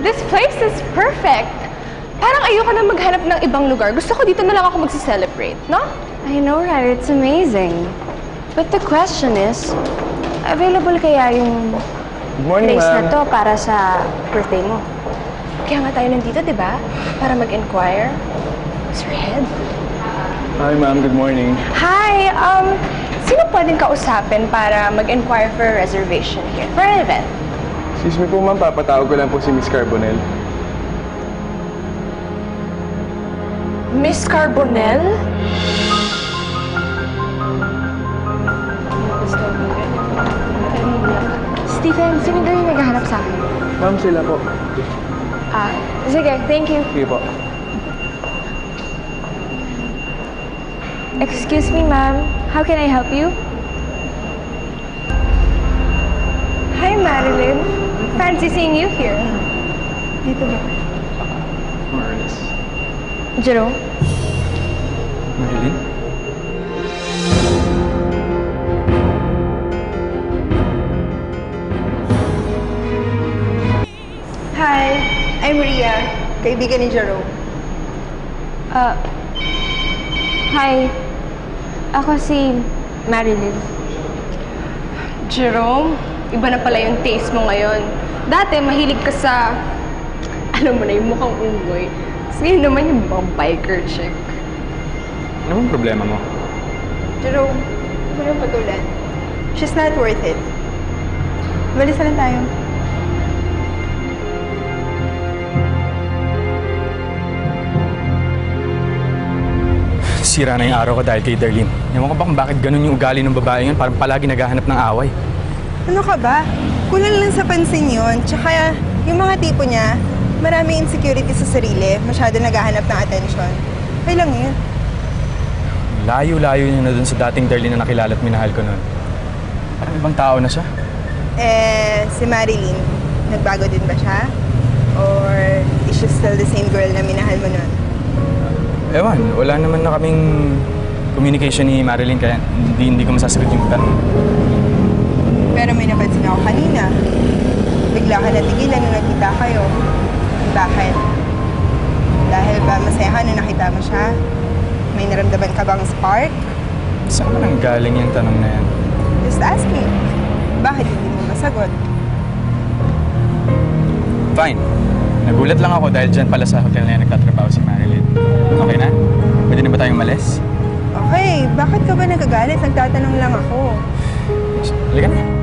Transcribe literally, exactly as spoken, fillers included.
This place is perfect. Parang ayoko na maghanap ng ibang lugar. Gusto ko dito na lang ako magsi-celebrate, no? I know, right? It's amazing. But the question is, available kaya yung Good morning, place na ma'am. to para sa birthday mo? Kaya nga tayo nandito, di ba? Para mag-inquire. Sir Head? Hi, ma'am. Good morning. Hi! Um, sino pwedeng kausapin para mag-inquire for a reservation here? For an event? Excuse me po, ma'am. Papatawag ko lang po si Miss Carbonell. Miss Carbonell? Stephen, sino daw yung naghahanap sa akin? Ma'am, sila po. Ah, sige, thank you. Sige po. Excuse me, ma'am. How can I help you? Hi, Marilyn. Fancy seeing you here. Dito ba? Marlis. Jerome? Marilyn? Hi, I'm Ria, kaibigan ni Jerome. Uh, hi. Ako si Marilyn. Jerome, iba na pala yung taste mo ngayon. Dati, mahilig ka sa, alam mo na, yung mukhang unggoy. Tapos ngayon naman yung mga biker chick. Ano bang problema mo? Jerome, huwag mo nang patulan. She's not worth it. Balis na lang tayo. Sira na yung araw ko dahil kay Darlene. Ewan ko ba kung bakit ganun yung ugali ng babae yun, parang palagi naghahanap ng away. Ano ka ba? Kulang lang sa pansin yun. Tsaka yung mga tipo niya, maraming insecurity sa sarili, masyado naghahanap ng atensyon. Okay lang yun. Layo-layo niya na dun sa dating Darlene na nakilala at minahal ko noon. Parang ibang tao na siya. Eh, si Marilyn, nagbago din ba siya? Or is she still the same girl na minahal mo nun? Ewan, wala naman na kaming communication ni Marilyn kaya hindi, hindi ko masasagot yung tanong. Pero may napansin ako kanina. Bigla ka natigilan nung nakita kayo. Bakit? Dahil ba masaya ka nung nakita mo siya? May naramdaman ka bang spark? Saan man ang galing yung tanong na yan? Just ask me. Bakit hindi mo masagot? Fine. Nagulat lang ako dahil dyan pala sa hotel na yan nagtatrabaho si Marilyn. Okay na? Pwede na ba tayong malis? Okay, bakit ka ba nagagalit? Nagtatanong lang ako. Halika na.